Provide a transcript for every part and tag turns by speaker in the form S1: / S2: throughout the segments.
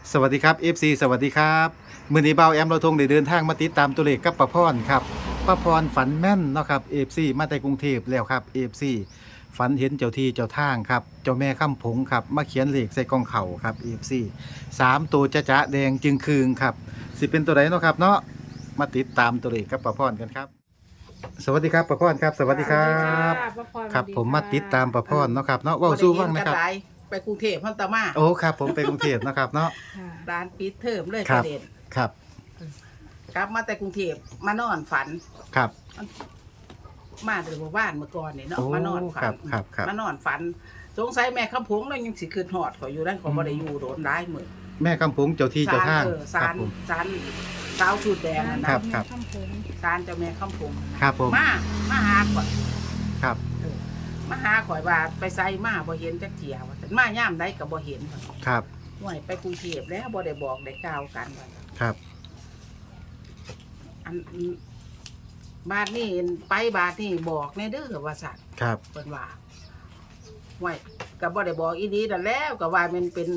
S1: สวัสดีครับ FC สวัสดีครับมื้อนี้เบาแอมเราทงได้เดินทางมาติดตามตัวเลขกับป้าพรครับป้าพรฝันแม่นเนาะครับ FC มาแต่กรุงเทพแล้วครับ FC ฝันเห็นเจ้าที่เจ้าทางครับเจ้าแม่ข้ามผงครับมาเขียนเลขใส่กล่องเข่าครับ FC 3 ตัวจะแดงจึงคืงครับสิเป็นตัวไหนเนาะครับเนาะมาติดตามตัวเลขกับป้าพรกันครับสวัสดีครับป้าพรครับสวัสดีครับ
S2: ป้าพร
S1: ครับ
S2: สวัสดี
S1: ผมมาติดตามป้าพรเนาะครับเนาะ
S3: บ่
S1: เว้า
S3: ได้
S1: สู้
S3: เห็
S1: ฟัง
S3: น
S1: นะ
S3: กัน
S1: ครับ
S3: หลายไปกรุงเทพพันตะมา
S1: โอ้ครับผมไปกรุงเทพนะครับเนาะ
S2: ค่ะ
S3: ร้านปิดเทอมเลย
S1: ค
S3: ป
S1: รับ
S3: ระเด็น
S1: ครับ
S3: กลับมาแต่กรุงเทพมานอนฝัน
S1: ครับ
S3: มาแต่หมู่บ้านเมื่อก่อนนี่เนาะ
S1: โอ้
S3: มานอนฝั
S1: ครั
S3: น
S1: บครับครับ
S3: มานอนฝันสงสัยแม่คำพงแล้วยังสิคืนหอดขอยอยู่ได้ขอบ่ได้อยู่โดนร้ายมือ
S1: แม่กำปงเจ้าที่เจ้าทาง
S3: ศา
S1: ครับ
S3: ล
S1: ผม
S3: ศาลสาวชุดแดงนั่น
S1: ครั
S3: นะ
S1: บครับ
S2: ข้ามผง
S3: ศาลเจ้าแม่คำพง
S1: ครับผม
S3: มาหาข่อย
S1: ครับ
S3: มาหาข่อยว่าไปไสมาบ่เห็นจักเที่ยว่าซั่นมาย่ามใดก็บ่เห็นว่า
S1: ครับ
S3: ห่วยไปกรุงเทพแล้วบ่ได้บอกได้กล่าวกันว่า
S1: ครับ
S3: อันบาทนี่ไปบาทนี่บอกในเด้อว่าสัตว์
S1: ครับ
S3: เพิ่นว่าไว้ก็บ่ได้บอกอีดีนั่นแล้วก็ว่ามันเป็น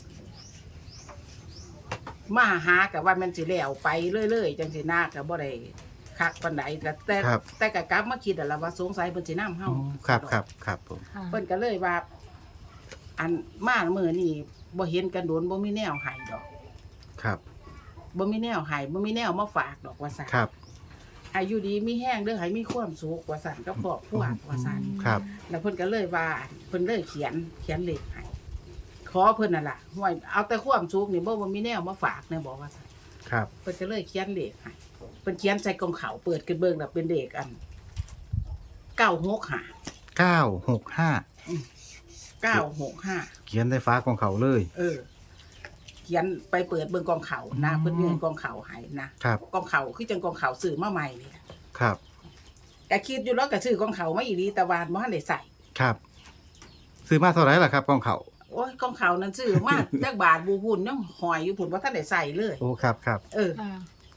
S3: มาหาก็ว่ามันสิแล้วไปเรื่อยๆจังสินาก็บ่ได้คักปานใดก็แต่ก็กลับมาคิดแล้วว่าสงสัยเพิ่นสินำเฮา
S1: อ๋อครับครับครับผม
S2: ค่ะ
S3: เพิ่นก็เลยว่า อันมามื้อนี้บ่เห็นกันโดนบ่มีแนวให้ดอก
S1: ครับ
S3: บ่มีแนวให้บ่มีแนวมาฝากดอกว่าซั่น
S1: ครับ
S3: อายุดีมีแห้งเด้อให้มีความสุขว่าซั่นกับครอบครัวว่าซั่น
S1: ครับ
S3: แล้วเพิ่นก็เลยว่าเพิ่นเลยเขียนเลขให้ขอเพิ่นน่ะล่ะห่วยเอาแต่ความสุขนี่บ่มีแนวมาฝากแน่บอกว่าซั่น
S1: ครับ
S3: เพิ่นก็เลยเขียนเลขให้เพิ่นเขียนใส่กล่องขาวเปิดขึ้นเบิ่งแล้วเป็นเลขอัน965
S1: 965
S3: 965
S1: เขียนในฟ้าของเขาเลย
S3: เขียนไปเปิดเบิ่งกองเขานะเพิ่นยื่นกองเขาให้นะครับ กองเขาคือจังกองเขาซื้อมาใหม่นี่ล่ะ
S1: ครับ
S3: ก็คิดอยู่แล้วก็ซื้อกองเขามาอีหลีแต่ว่าบ่ทันได้ใส่
S1: ครับซื้อมาเท่าไหร่ล่ะครับของเขา
S3: โอ้ยกองเขานั้นซื้อมา จักบาทบูพุ่นยังหอยอยู่พุ่นบ่ทันได้ใส่เลย
S1: โอ้ครับครับ
S2: ค่ะ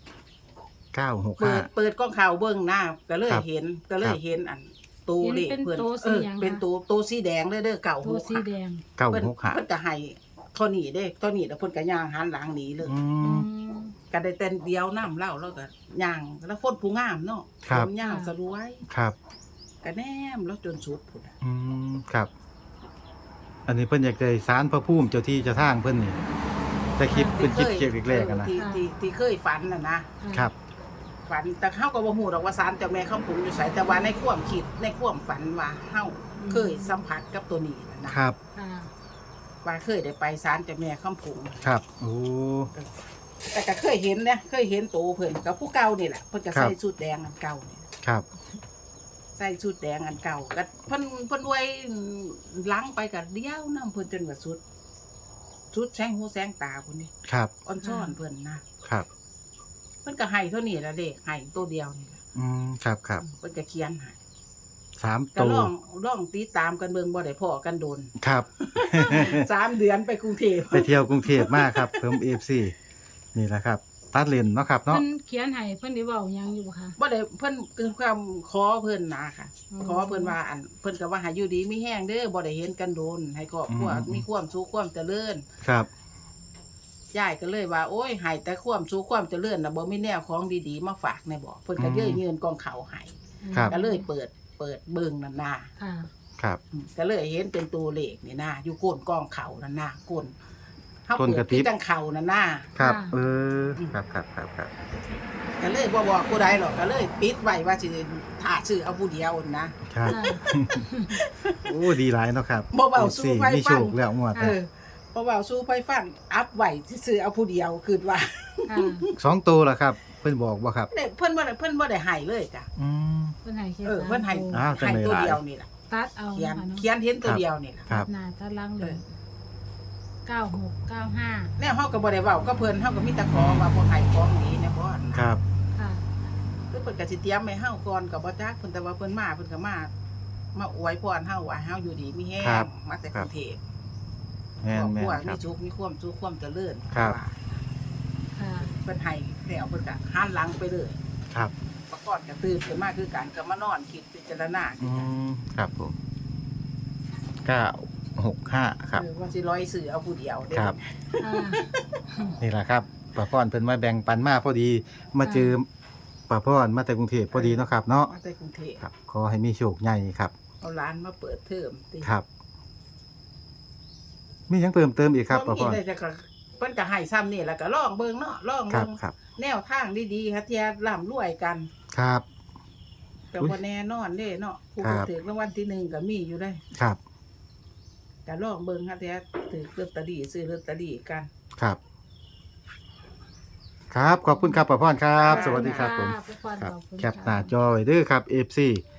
S1: 965
S3: เปิดกล้องข่าวเบิ่งหน้าก็เลย
S1: ครับ
S3: เห็นก็เลยเห็นอันตูเลขเพิ่นเป็นตูสีแดงเลยเด้อเก่า
S2: ตัวสีแดง
S3: เพิ่น
S1: 965
S3: ก็ให้เท่านี้เด้เท่านี้แล้วเพิ่นก็ย่างหันหลังหนีเลย
S1: อื
S2: อื
S1: ม
S2: ม
S3: ก็ได้แต่เดียวน้ำเล่าแล้วก็ย่างแล้วคนผู้งามเนาะ
S1: ครับ
S3: ผมยาวสรวย
S1: ครับ
S3: ก็แนมแล้วจนสุดพุ่นน่ะ
S1: อืมครับ อันนี้เพิ่นอยากได้ศาลพระภูมิเจ้าที่เจ้าทางเพิ่นนี่แต่คลิปเป็นคลิปเกี่ยวกับแรกๆกันนะ
S3: ที่เคยฝันน่ะนะครับ ฝันแต่เฮาก็บ่ฮู้ดอกว่าศาลเจ้าแม่คำผุงอยู่ไสแต่ว่าในความคิดในความฝันว่าเฮาเคยสัมผัสกับตัวนี้นะ
S1: ครับ
S2: ค่ะ
S3: ว่าเคยได้ไปศาลเจ้าแม่คำผุง
S1: ครับ โอ้
S3: แต่ก็เคยเห็นนะเคยเห็นโตเพิ่นกับผู้เก่านี่แหละเพิ่นก็
S1: ครับ
S3: ใส่ชุดแดงอันเก่านี่
S1: ครับ
S3: ใส่ชุดแดงอันเก่าก็เพิ่นไว้ล้างไปก็เดียวนํเพิ่นจนว่าสุดแสงหูแสงตาพุ่นนี่
S1: ครับ
S3: อ่อนช้อนเพิ่นนะครับ เพิ่นก็ให้เท่านี้ละเด้ให้ตัวเดียวนี่ล่ะ
S1: อืมครับครับ
S3: เพิ่นก็เขียนให้
S1: 3
S3: ก็
S1: ตัว
S3: ลองติดตามกันเบิ่งบ่ได้พ้อกันโดน
S1: ครับ
S3: 3 เดือนไปกรุงเทพ
S1: ไปเที่ยวกรุงเทพมากครับเพิ่ม FC นี่แหละครับ ตัดเลนเนาะครับ
S2: เพิ่
S1: เนาะ
S2: นเขียนให้เพิ่นได้เว้าหยังอยู่บ่คะ
S3: บ่ได้เพิ่นคือความขอเพิ่นนะค่ะ
S2: อืม
S3: ขอเพิ่นว่าอันเพิ่นก็ว่าให้อยู่ดีมีแห้งเด้อบ่ได้เห็นกันโดน ให้ครอบครัวมีความสุขความเจริญ
S1: ครับ
S3: ยายก็เลยว่าโอ้ยให้แต่ความสุขความเจริญน่ะบ่มีแนวของดีๆมาฝากในบ่เพิ่นก็เย้ยยืนกองเขาให้
S1: ครับ
S3: ก็เลยเปิดเบิ่งนั่นน่ะ
S2: ค่ะ
S1: ครับ
S3: ก็เลยเห็นเป็นตัวเลขนี่น่ะอยู่โก้นกองเขานั่นน่ะก้นเฮา
S1: ก้น
S3: เปิ
S1: ก
S3: ด
S1: ระติ๊
S3: ที่
S1: บ
S3: จังเขานั่นน่ะ
S1: ครับ
S2: ค่ะ
S1: เออครับครับครับครับ
S3: ก็เลยบ่บอกผู้ใดหรอกก็เลยปิดไว้ว่าสิถ้าซื้อเอาผู้เดียวนะ
S1: ครับ
S2: ค่ะ
S1: โอ้ดีหลายเนาะครับ
S3: บ่เว้าสู้ไฟ
S1: มีโช
S3: ฟัง
S1: คแล้วงวด
S3: เออเพราะว่าสู้ไฟฟังอัพไว้ซื้อเอาผู้เดียวคือว่า
S2: ค่ะ
S1: 2ตัวล่ะครับ เพิ่นบอกบ่ครับ
S3: เพิ่นบ่ได้ให้เลยจ้ะ
S1: อืม
S2: เพิ่นให้แค่
S3: เพิ่นให้
S2: สาม
S1: อ้าว จัง
S3: ให้
S1: เลย
S3: ตัว
S1: หลาย
S3: เดียวนี่ล่ะ
S2: ตัดเอา
S3: เขียน
S2: นะคะเนาะ
S3: เขียนเห็นตัวเดียวนี่ล่ะ
S1: ครับ
S2: หน้าตัดหลังเล
S3: เอย อ
S2: 9695
S3: แนวเฮาก็บ่ได้เว้าก็เพิ่นเฮาก็มีแต่ขอว่าบ่ให้ของดีแน่บ่นะ
S1: ครับ
S2: ค่ะ
S3: คือเพิ่นก็สิเตรียมให้เฮาก่อนก็บ่จักเพิ่นแต่ว่าเพิ่นมาเพิ่นก็มาอวยพรเฮาว่าเฮาอยู่ดีมีแฮ
S1: ครั
S3: ง
S1: บ
S3: มาแต่กรุงเทพ
S1: แม่น
S3: ครอบ
S1: แม่
S3: ครัวน
S1: ค
S3: มี
S1: รับ
S3: สุขมีความสุขความเจริญ
S1: ครับ
S3: ว่า
S2: ค่ะ
S3: เพิ่นให้แล้วเพิ่นก็หันหลังไปเลย
S1: ครับ
S3: ประกอบก็ตื่นขึ้นมาคือกันก็มานอนคิดพิจารณา
S1: อืมครับผม9 6 965ครับ
S3: ว่าสิร้อยสื่อเอาผู้เดียวเด้
S1: ครับ
S2: ค่ะ
S1: นี่แหละครับป้าพรเพิ่นมาแบ่งปันมาพอดีมาเจอป้าพรมาแต่กรุงเทพพอดีเนาะครับเนาะ
S3: มาแต่กรุงเทพ
S1: ครับขอให้มีโชคใหญ่ครับ
S3: เอาร้านมาเปิดเทอมติ
S1: ครับ มีหยังเพิ่มเติมอีกครับป้าพ
S3: มี
S1: ร
S3: อะไรจะก็เพิ่นก็ให้ซ้ำนี่แล้วก็ลองเบิ่งเนาะลอง
S1: ครั
S3: เบิ่
S1: บ
S3: ง
S1: ครับ
S3: แนวทางดีๆค่ะเที่ยร่ำรวยกัน
S1: ครับ
S3: ก็บ่แน่นอนเด้เนาะผู้
S1: ครับ
S3: ถือรางวัลที่หนึ่งก็มีอยู่ได้
S1: ครับ
S3: ก็ลองเบิ่งค่ะเที่ยถือลอตเตอรี่ซื้อลอตเตอรี่กัน
S1: ครับ ครับขอบคุณครับป้าพรครับ สวัสดีครับผม
S2: ะป้าพร
S1: ครับ
S2: ขอบคุณ
S1: แคปหน้าจอไว้เด้อครับ FC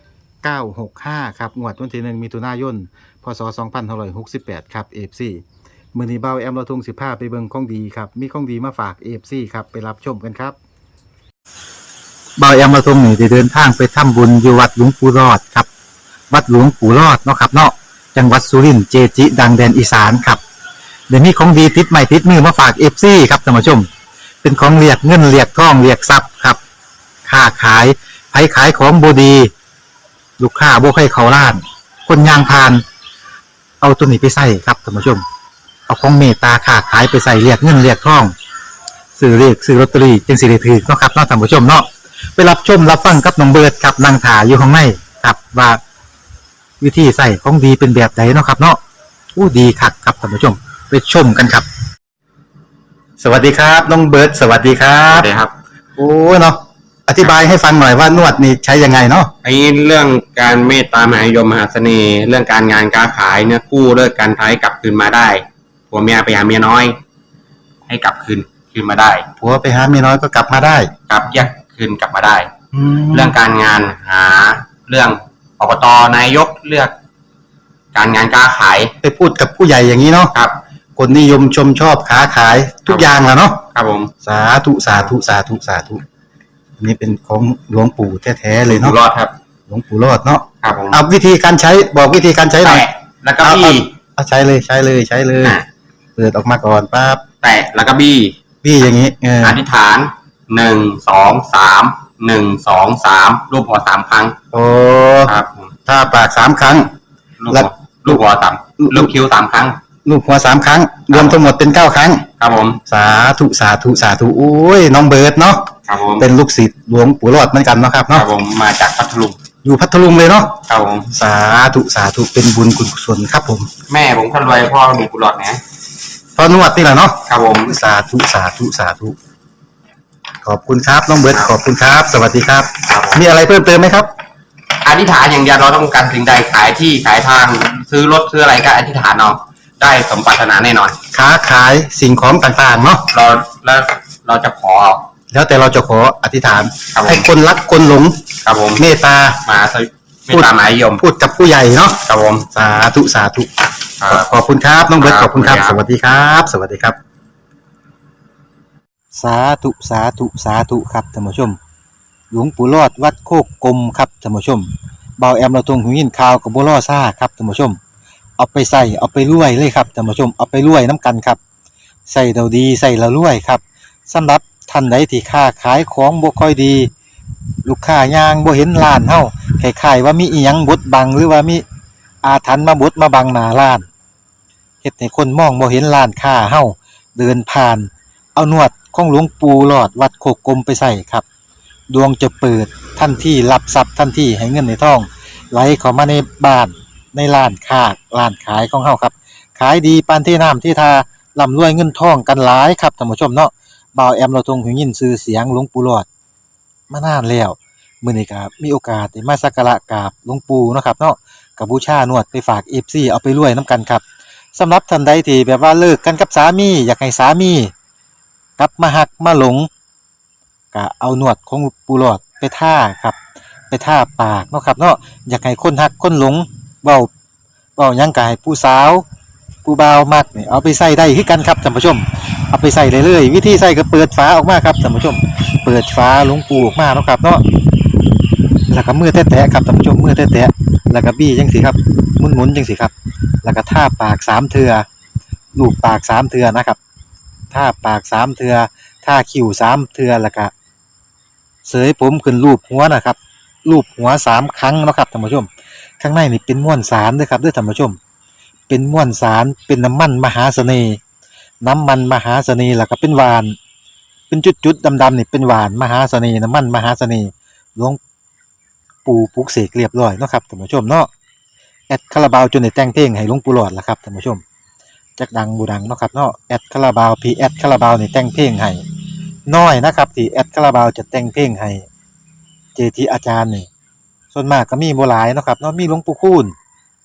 S1: 965ครับงวดวันที่1มิถุนายนพศ2568ครับ FC มื้อนี้เบาแอมเราทง15ไปเบิ่งของดีครับมีของดีมาฝาก FC ครับไปรับชมกันครับเบาแอมเราทงนี่ได้เดินทางไปทำบุญอยู่วัดหลวงปู่รอดครับวัดหลวงปู่รอดเนาะครับเนาะจังหวัดสุรินทร์เจจิดังแดนอีสานครับเดี๋ยวนี้ของดีติดใหม่ติดมือมาฝาก FC ครับท่านผู้ชม เป็นของเรียกเงินเรียกทองเรียกทรัพย์ครับค้าขายไผขายของบดี ลูกค้าบ่ให้เขาล้าน คนยางพาน เอาตัวนี้ไปใส่ครับท่านผู้ชม เอาของเมตตาค้าขายไปใส่เรียกเงินเรียกทองซื้อเรียกซื้อลอตเตอรี่จึงสิได้ถือเนาะครับเนาะท่านผู้ชมเนาะไปรับชมรับฟังกับน้องเบิร์ดครับนางถาอยู่ข้างในครับว่าวิธีใส่ของดีเป็นแบบไหนเนาะครับ เนาะอู้ดีคักครับท่านผู้ชม ไปชมกันครับ สวัสดีครับน้องเบิร์ดสวัสดีครั
S4: ครับ บครับ
S1: โอ้เนาะอธิบายให้ฟังหน่อยว่านวดนี่ใช้ยังไงเนาะ
S4: ไอ้เรื่องการเมตตามหานิยมมหาเสน่ห์ เรื่องการงานการขายเนี่ยกู้เลิกการท้ายกลับคืนมาได้ผัวเมียไปหาเมียน้อย ให้กลับคืนมาได้
S1: ผัวไปหาเมียน้อยก็กลับมาได้
S4: กลับแยกคืนกลับมาได้
S1: แล้
S4: เรื่
S1: ว
S4: องการงานหาเรื่องอบตนายกเลือก การงานการขาย
S1: ไปพูดกับผู้ใหญ่อย่างนี้เนาะ
S4: ครับ
S1: คนนิยมชมชอบค้าขายทุกอย่างแหละเนาะ
S4: ครับผม
S1: สาธุสาธุสาธุสาธุอันนี้เป็นของหลวงปู่แท้ๆเลย
S4: อยู่
S1: เนาะ
S4: รอดครับ
S1: หลวงปู่รอดเนาะ
S4: ครับผม
S1: เอาวิธีการใช้บอกวิธีการใช้หน่อย
S4: แตะแล้วก็บี้
S1: เอาใช้เลยใช้เลยใช้เลย
S4: อ่ะ
S1: เปิดออกมาก่อนปั๊บ
S4: แตะแล้วก็บี้
S1: พี่อย่างนี้เออ
S4: อธิษฐาน1 2 3 1 2 3รูปหัวสามครั้ง
S1: โอ้
S4: ครับผม
S1: ถ้าปาก3ครั้ง
S4: ลูก
S1: แล้
S4: หั
S1: ว
S4: วลูกหัวสามลูกคิ้ว3 ครั้ง
S1: ลูกหัว3ครั้ง รวมทั้งหมดเป็น9ครั้ง
S4: ครับผม
S1: สาธุสาธุสาธุโอ้ยน้องเบิร์ดเนาะ
S4: ครับผม
S1: เป็นลูกศิษย์หลวงปู่รอดเหมือนกันเนาะครับ
S4: ครั
S1: เนาะ
S4: บผมมาจากพัทลุง
S1: อยู่พัทลุงเลยเนาะ
S4: ครับผม
S1: สาธุสาธุเป็นบุญกุศลครับผม
S4: แม่ผมคนรวยพ่อมีกุหลาบนะ
S1: พอนวดนี่แหละเนาะ
S4: ครับผม
S1: สาธุสาธุสาธุขอบคุณครับน้องเบิร์ดขอบคุณครับ สวัสดีครับ
S4: ครับผม
S1: มีอะไรเพิ่มเติมไหมครับ
S4: อธิษฐานอย่างเดียวเราต้องการสิ่งใดขายที่ขายทางซื้อรถซื้ออะไรก็อธิษฐานเอาได้สมปรารถนาแน่นอน
S1: ค้าขายสิ่งของต่างๆเนาะ
S4: เราจะขอเอา
S1: แล้วแต่เราจะขออธิษฐาน
S4: ครับผม
S1: ให้คนรักคนหลง
S4: ครับผม
S1: เมตตา
S4: มาไม่ตามหมายยม
S1: พูดกับผู้ใหญ่เนาะ
S4: ครับผม
S1: สาธุสาธุ
S4: ครับ
S1: ขอบคุณครับน้องเบิร์ต
S4: ค
S1: ข
S4: รับ
S1: อบคุณครับ
S4: ขอบ
S1: ส
S4: คุณครับ
S1: วัสดีครับ สวัสดีครับ สาธุสาธุสาธุครับท่านผู้ชม หลวงปู่รอดวัดโคกกลมครับท่านผู้ชมเบาแอมเราตรงหูยินข่าวกับบัวล่อซ่าครับท่านผู้ชม เอาไปใส่เอาไปรวยเลยครับท่านผู้ชมเอาไปรวยน้ำกันครับใส่เราดีใส่เรารวยครับสำหรับท่านใดที่ค้าขายของบ่ค่อยดี ลูกค้ายางบ่เห็นร้านเฮาคล้ายๆว่ามีอีหยังบดบังหรือว่ามีอาถรรพ์มาบดมาบังหน้าร้านเฮ็ดให้คนมองบ่เห็นร้านค้าเฮาเดินผ่าน เอานวดของหลวงปู่หลอดวัดโคกกลมไปใส่ครับ ดวงจะเปิดทันทีรับทรัพย์ทันทีให้เงินในทองไหลเข้ามาในบ้านในร้านค้าร้านขายของเฮาครับ ขายดีปานที่น้ำที่ทาร่ำรวยเงินทองกันหลายครับท่านผู้ชมเนาะบ่าวแอมเราทรงหูยินชื่อเสียงหลวงปู่หลอดมานานแล้วมื้อนี้ก็มีโอกาสได้มาสักการะกราบหลวงปู่เนาะครับเนาะก็บูชานวดไปฝาก FC เอาไปรวยนํกันครับสำหรับท่านใดที่แบบว่าเลิกกันกับสามีอยากให้สามีกลับมาหักมาหลงก็เอานวดของปู่หลอดไปท่าครับไปท่าปากเนาะครับเนาะอยากให้คนหักคนหลงเว้าหยังก็ให้ผู้สาวผู้บ่าวมักนี่เอาไปใส่ได้คือกันครับท่านผู้ชมเอาไปใส่เลยวิธีใส่ก็เปิดฝาออกมาครับท่านผู้ชมเปิดฝาหลวงปู่ออกมาเนาะครับเนาะแล้วก็มือแตะๆครับท่านผู้ชมมือแตะๆแล้วก็บี้จังซี่ครับหมุนๆจังซี่ครับแล้วก็ท่าปาก3เทื่อลูบปาก3เทื่อนะครับท่าปาก3เทื่อท่าคิ้ว3เทื่อแล้วก็เสยผมขึ้นรูปหัวนะครับรูปหัว3ครั้งเนาะครับท่านผู้ชมข้างในนี่เป็นม้วนสารเด้อครับเด้อท่านผู้ชมเป็นมวลสารเป็นน้ำมันมหาเสน่ห์น้ำมันมหาเสน่ห์แล้วก็เป็นหวานเป็นจุดๆดำๆนี่เป็นหวานมหาเสน่ห์น้ำมันมหาเสน่ห์หลวงปู่ปลุกเสกเรียบร้อยเนาะครับท่านผู้ชมเนาะแอดคาราบาวจนได้แต่งเพลงให้หลวงปู่หลอดล่ะครับท่านผู้ชมจักดังบูดังเนาะครับเนาะแอดคาราบาวพีแอดคาราบาวนี่แต่งเพลงให้น้อยนะครับที่แอดคาราบาวจะแต่งเพลงให้เจทีอาจารย์นี่ส่วนมากก็มีบ่หลายเนาะครับเนาะมีหลวงปู่คูณ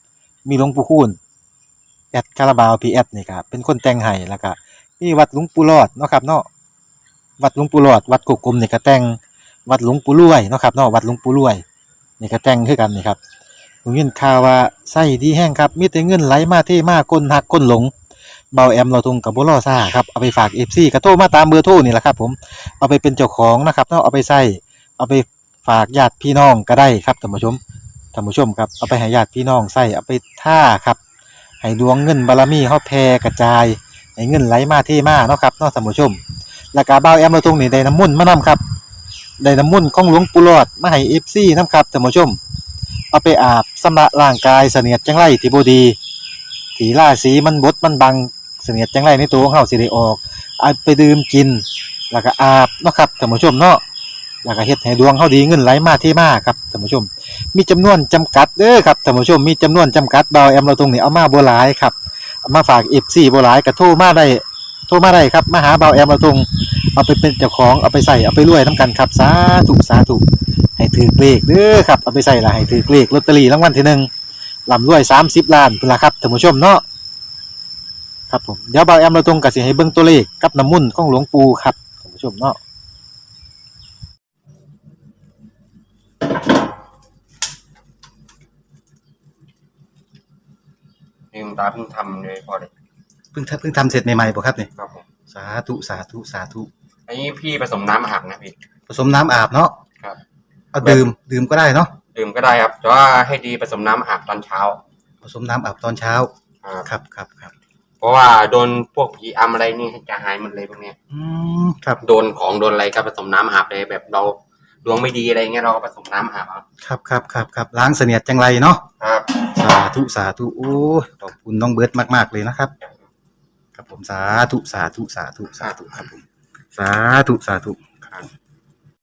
S1: แอดคาราบาวพีแอดนี่ครับเป็นคนแต่งให้แล้วก็มีวัดหลวงปู่หลอดเนาะครับเนาะวัดหลวงปู่หลอดวัดกุกกลมนี่ก็แต่งวัดหลวงปู่รวยเนาะครับเนาะวัดหลวงปู่รวยนี่ก็แต่งคือกันนี่ครับผมยินข่าวว่าไส้ดีแห้งครับมีแต่เงินไหลมาเทมาคนหักคนหลงเบาแอมเราทงกับบ่รอซ่าครับเอาไปฝาก FC ก็โทรมาตามเบอร์โทรนี่แหละครับผมเอาไปเป็นเจ้าของนะครับเนาะเอาไปใช้เอาไปฝากญาติพี่น้องก็ได้ครับท่านผู้ชมครับเอาไปให้ญาติพี่น้องใช้เอาไปท่าครับให้ดวงเงินบารมีเฮาแผ่กระจายให้เงินไหลมาเทมาเนาะครับเนาะท่านผู้ชมแล้วก็เบาแอมเราทงนี่ได้น้ำมนต์มานํครับได้น้ำมนต์ของหลวงปู่หลอดมาให้ FC นํครับท่านผู้ชมเอาไปอาบชำระร่างกายเสนียดจังไรที่บ่ดีที่ราศีมันบดมันบังเสนียดจังไรในตัวของเฮาสิได้ออกเอาไปดื่มกินแล้วก็อาบเนาะครับท่านผู้ชมเนาะแล้วก็เฮ็ดให้ดวงเฮาดีเงินไหลมาเทมาครับท่านผู้ชมมีจำนวนจำกัดเด้อครับท่านผู้ชมมีจำนวนจำกัดเบาแอมเราตรงนี้เอามาบ่หลายครับเอามาฝาก FC บ่หลายก็โทรมาได้ครับมาหาเบาแอมเราตรงเอาไปเป็นเจ้าของเอาไปใส่เอาไปรวยนํกันครับสาธุให้ถือเลขเด้อครับเอาไปใส่ละให้ถือเลขลอตเตอรี่รางวัลที่หนึ่งร่ำรวย30ล้านพุ่นล่ะครับท่านผู้ชมเนาะครับผมเดี๋ยวเบาแอมเราตรงก็สิให้เบิ่งตัวเลขกับน้ำมุ่นต์ของหลวงปู่ครับท่านผู้ชมเนาะ
S4: ลืมตาเพิ่งทำเลยพอเลย
S1: เพิ่งทำเสร็จใหม่ๆบ่ครับนี่
S4: ครับผม
S1: สาธุ
S4: อันนี้พี่ผสมน้ำอาบนะพี่
S1: ผสมน้ำอาบเนาะ
S4: ครับ
S1: เอาดื่มก็ได้เนาะ
S4: ดื่มก็ได้ครับแต่ว่าให้ดีผสมน้ำอาบตอนเช้า
S1: ผสมน้ำอาบตอนเช้า ครับ
S4: เพราะว่าโดนพวกผีอำอะไรนี่จะหายหมดเลยพวกเนี้ย
S1: ครับ
S4: โดนของโดนอะไรก็ผสมน้ำอาบเลยแบบเราดวงไม่ดีอะไรเงี้ยเราก็ผสมน้ำอาบเอา
S1: ครับล้างเสนียดจังไรเนาะ
S4: ครับ
S1: สาธุโอ้ยขอบคุณน้องเบิร์ตมากๆเลยนะครับครับผมสาธุครับผมสาธุครับ